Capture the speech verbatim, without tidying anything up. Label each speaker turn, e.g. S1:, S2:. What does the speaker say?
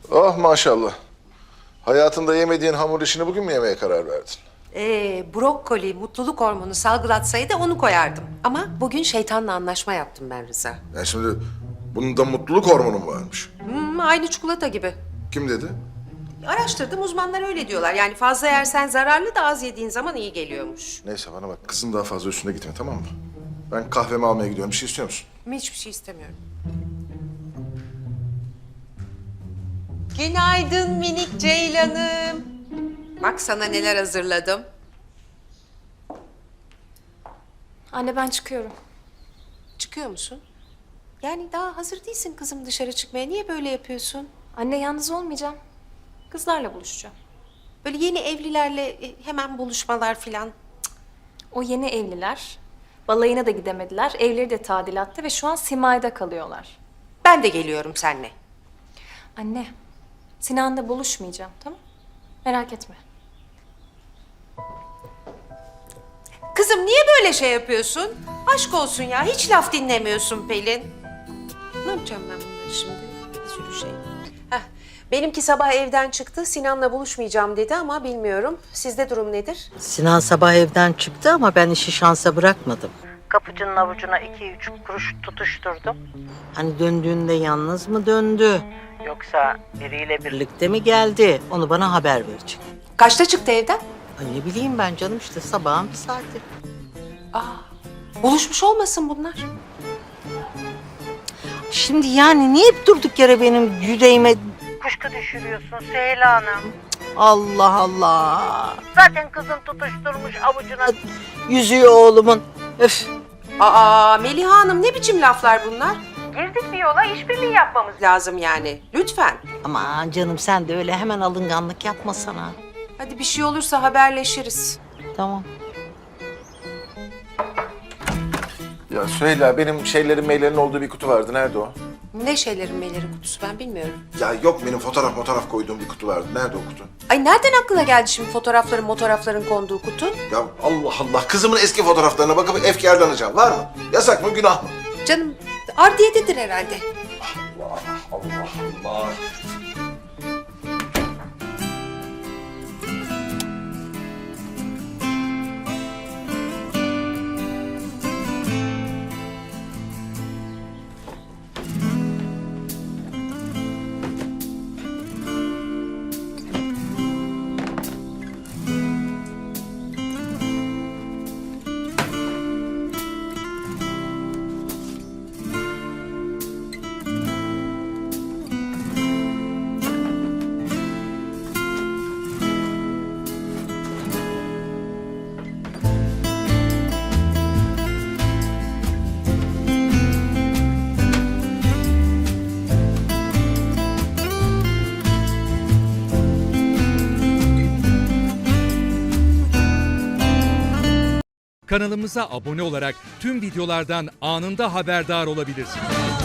S1: Oh maşallah. Hayatında yemediğin hamur işini bugün mü yemeye karar verdin?
S2: Ee, brokoli, mutluluk hormonu salgılatsaydı onu koyardım. Ama bugün şeytanla anlaşma yaptım ben Rıza.
S1: Yani şimdi bunun da mutluluk hormonu mu varmış?
S2: Hmm, aynı çikolata gibi.
S1: Kim dedi?
S2: Araştırdım, uzmanlar öyle diyorlar. Yani fazla yersen zararlı da az yediğin zaman iyi geliyormuş.
S1: Neyse bana bak, kızın daha fazla üstüne gitme, tamam mı? Ben kahvemi almaya gidiyorum. Bir şey istiyor musun?
S2: Hiçbir şey istemiyorum. Günaydın minik ceylanım. Bak sana neler hazırladım.
S3: Anne ben çıkıyorum.
S2: Çıkıyor musun? Yani daha hazır değilsin kızım dışarı çıkmaya. Niye böyle yapıyorsun?
S3: Anne yalnız olmayacağım. Kızlarla buluşacağım.
S2: Böyle yeni evlilerle e, hemen buluşmalar filan.
S3: O yeni evliler balayına da gidemediler. Evleri de tadilatta ve şu an Simay'da kalıyorlar.
S2: Ben de geliyorum seninle.
S3: Anne, Sinan'la buluşmayacağım, tamam? Merak etme.
S2: Kızım niye böyle şey yapıyorsun? Aşk olsun ya, hiç laf dinlemiyorsun Pelin. Ne yapacağım ben bunları şimdi? Bir sürü şey. Heh, benimki sabah evden çıktı. Sinan'la buluşmayacağım dedi ama bilmiyorum. Sizde durum nedir?
S4: Sinan sabah evden çıktı ama ben işi şansa bırakmadım. Kapıcının avucuna iki üç kuruş tutuşturdum. Hani döndüğünde yalnız mı döndü? Yoksa biriyle birlikte mi geldi? Onu bana haber verecek.
S2: Kaçta çıktı evden?
S4: Ay ne bileyim ben canım, işte sabahın bir saati.
S2: Buluşmuş olmasın bunlar.
S4: Şimdi yani niye hep durduk yere benim yüreğime kuşku düşürüyorsun Süheyla Hanım? Allah Allah. Zaten kızım tutuşturmuş avucuna yüzüğü oğlumun. Öf.
S2: Aa Meliha Hanım, ne biçim laflar bunlar? Girdik bir yola, işbirliği yapmamız lazım yani. Lütfen.
S4: Aman canım sen de öyle hemen alınganlık yapmasana.
S2: Hadi bir şey olursa haberleşiriz.
S4: Tamam.
S1: Ya Süheyla, benim şeylerin, maillerin olduğu bir kutu vardı. Nerede o?
S2: Ne şeylerin meyleri kutusu ben bilmiyorum.
S1: Ya yok, benim fotoğraf fotoğraf koyduğum bir kutu vardı. Nerede o kutu?
S2: Ay nereden aklına geldi şimdi fotoğrafların fotoğrafların konduğu kutu?
S1: Ya Allah Allah, kızımın eski fotoğraflarına bakıp efkarlanacağım. Var mı? Yasak mı, günah mı?
S2: Canım ardiyededir herhalde.
S1: Allah Allah Allah.
S5: Kanalımıza abone olarak tüm videolardan anında haberdar olabilirsiniz.